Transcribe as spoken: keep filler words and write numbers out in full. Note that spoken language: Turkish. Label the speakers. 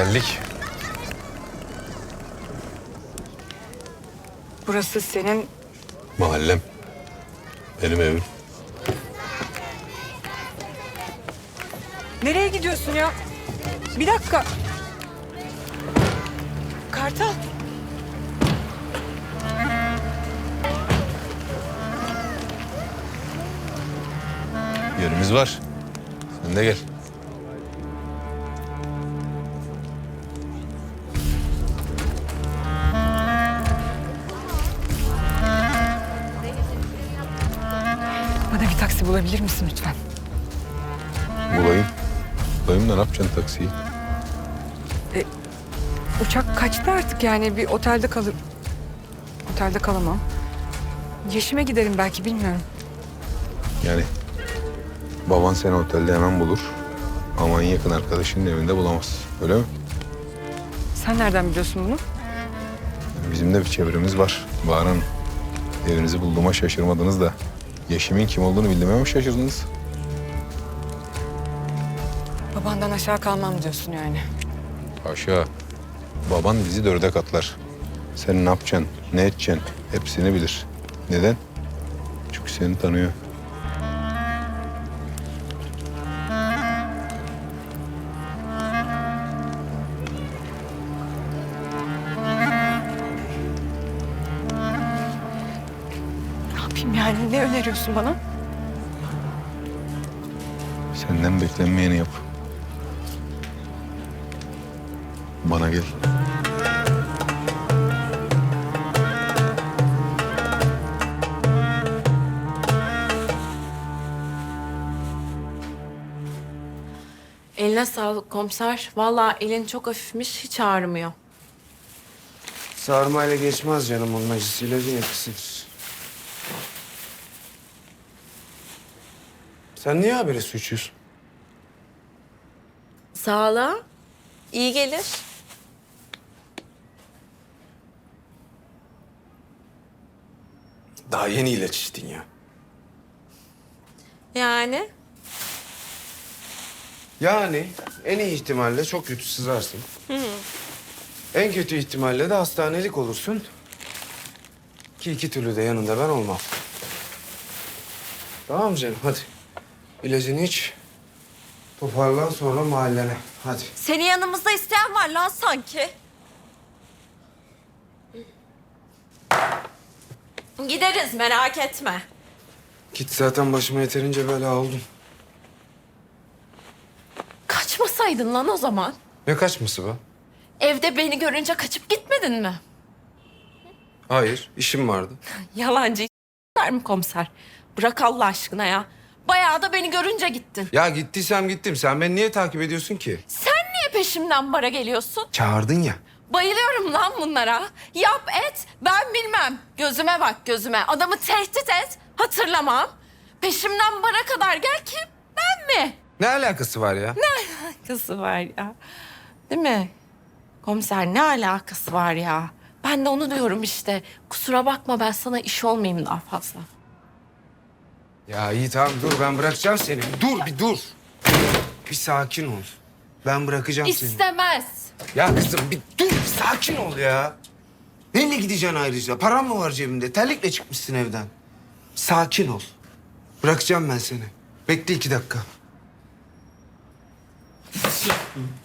Speaker 1: Geldik.
Speaker 2: Burası senin...
Speaker 1: Mahallem. Benim evim.
Speaker 2: Nereye gidiyorsun ya? Bir dakika. Kartal.
Speaker 1: Yerimiz var. Sen de gel.
Speaker 2: Bana bir taksi bulabilir misin lütfen?
Speaker 1: Bulayım. Bulayım da ne yapacaksın taksiyi?
Speaker 2: Uçak kaçtı artık yani bir otelde kalır. Otelde kalamam. Yeşime giderim belki bilmiyorum.
Speaker 1: Yani baban seni otelde hemen bulur. Ama en yakın arkadaşının evinde bulamaz. Öyle mi?
Speaker 2: Sen nereden biliyorsun bunu?
Speaker 1: Bizim de bir çevremiz var. Bahar Hanım. Evinizi bulduğuma şaşırmadınız da Yeşim'in kim olduğunu bildiğime mi şaşırdınız?
Speaker 2: Babandan aşağı kalmam diyorsun yani.
Speaker 1: Haşa. Baban bizi dörde katlar. Sen ne yapacaksın, ne edeceksin hepsini bilir. Neden? Çünkü seni tanıyor.
Speaker 2: Ne yapayım yani? Ne öneriyorsun bana?
Speaker 1: Senden beklenmeyeni yap. Bana gel.
Speaker 3: Eline sağlık komiser. Vallahi elin çok hafifmiş, hiç ağrımıyor.
Speaker 4: Sarmayla geçmez canım, onun acısıyla bir etkisidir. Sen niye habire su içiyorsun?
Speaker 3: Sağlığa iyi gelir.
Speaker 4: Daha yeni ilaç içtin ya.
Speaker 3: Yani
Speaker 4: Yani en iyi ihtimalle çok kötü sızarsın. En kötü ihtimalle de hastanelik olursun. Ki iki türlü de yanında ben olmam. Tamam mı canım? Hadi. İlacını iç. Toparlan sonra mahallene. Hadi.
Speaker 3: seni yanımızda isteyen var lan sanki. Gideriz, merak etme.
Speaker 4: Git, zaten başıma yeterince bela oldun.
Speaker 3: Kaçmasaydın lan o zaman.
Speaker 4: Ne kaçması be?
Speaker 3: Evde beni görünce kaçıp gitmedin mi?
Speaker 4: Hayır, işim vardı.
Speaker 3: Yalancı der mi komiser? Bırak Allah aşkına ya. Bayağı da beni görünce gittin.
Speaker 4: Ya gittiysem gittim. Sen beni niye takip ediyorsun ki?
Speaker 3: Sen niye peşimden bara geliyorsun?
Speaker 4: Çağırdın ya.
Speaker 3: Bayılıyorum lan bunlara. Yap et, ben bilmem. Gözüme bak gözüme. Adamı tehdit et, hatırlamam. Peşimden bara kadar gel, kim? Ben mi?
Speaker 4: Ne alakası var ya?
Speaker 3: Alakası var ya. Değil mi? Komiser, ne alakası var ya? Ben de onu diyorum işte. Kusura bakma, ben sana iş olmayayım daha fazla.
Speaker 4: Ya iyi tamam, dur, ben bırakacağım seni. Dur bir dur. Bir sakin ol. Ben bırakacağım seni.
Speaker 3: İstemez.
Speaker 4: Ya kızım bir dur, bir sakin ol ya. Neyle gideceksin ayrıca? Param mı var cebinde? Terlikle çıkmışsın evden. Sakin ol. Bırakacağım ben seni. Bekle iki dakika.